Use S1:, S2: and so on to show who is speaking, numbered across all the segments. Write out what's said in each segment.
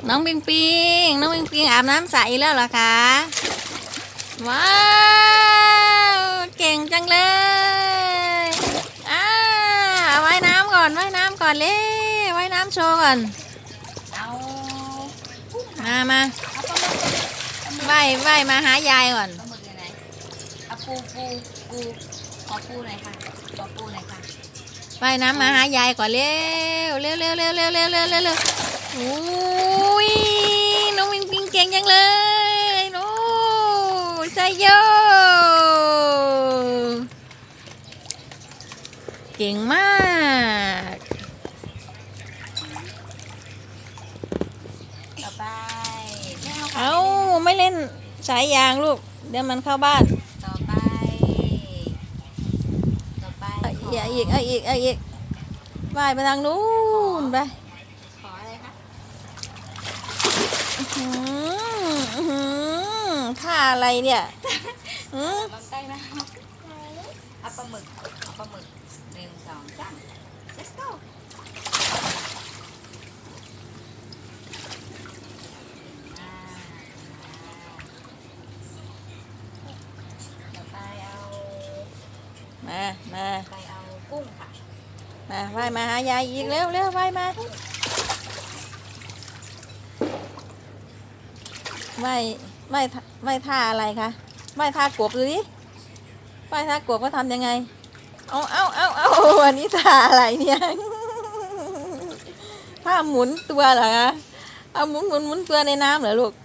S1: น้องปิงปิงน้องปิงปิงอาบน้ำใสแล้วเหรอคะว้าว เก่งจังเลยว่ายน้ำก่อนว่ายน้ำก่อนเลยว่ายน้ำโชว์ก่อนมาว่ายมาหายายก่อน
S2: เอาปูขอปูหน่อยค่ะขอปูหน่อยค่ะ
S1: ว่ายน้ำมาหายายก่อนเร็วโอ้ยน้องปิงปิงเก่งจังเลยโอ้ยใจโยเก่งมาก
S2: ต่อไป
S1: เอาไม่เล่นสายยางลูกเดี๋ยวมันเข้าบ้าน
S2: ต่อไป
S1: เอาอีกว่ายไปทางนู้นไป
S2: ขออะไรคะ
S1: ท่าอะไรเนี่ย
S2: ลองใกล้นะเอาปลาหมึก1 2 3 let's go ต่อไปเอา
S1: มา
S2: ไปเอากุ้งค่ะ
S1: มาว่ายมาหายายอีกเร็วว่ายมาว่ายท่าอะไรคะว่ายท่ากบดูดิว่ายท่ากบก็ทำยังไงเอาอันนี้ท่าอะไรเนี่ยท่าหมุนตัวเหรอคะเอาหมุนตัวในน้ำเหรอลูก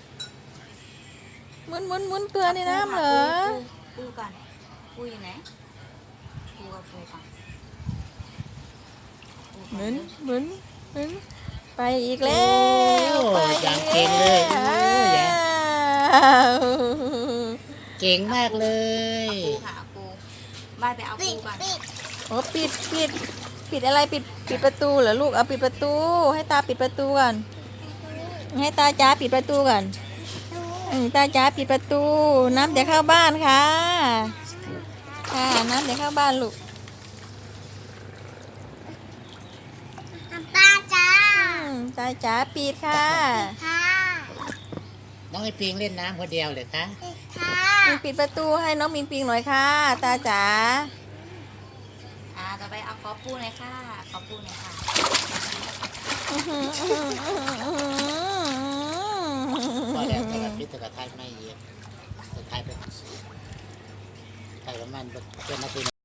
S1: หมุนตัวในน้ำเหรอ
S2: ปูก่อนปูอยู่ไหนปูก่อน
S1: หมุนไปอีกแล้วไป
S3: อย่างเก่งเลยเก่งมากเลย
S2: ปูค่ะปูบ้านไปเอาปูก่อน
S1: โอ้ปิดอะไรปิดประตูเหรอลูกเอาปิดประตูให้ตาปิดประตูก่อนให้ตาจ๋าปิดประตูก่อนตาจ๋าปิดประตูน้ำเดี๋ยวเข้าบ้านค่ะน้ำเดี๋ยวเข้าบ้านลูกตาจ๋าปิดค่ะ
S3: น้องไอปิงเล่นน้ำคนเดียวเลยคะ
S1: ปิดประตูให้น้องมิงปิงหน่อยค่ะตาจ๋า
S2: ต่อไปเอาขอปูหน่อยค่ะขอปูหน่อยค่ะ
S3: พอแล้วแต่ละพิษแต่ละท้ายไม่เยอะแต่ท้ายเป็นท้ายประมาณเป็นนาที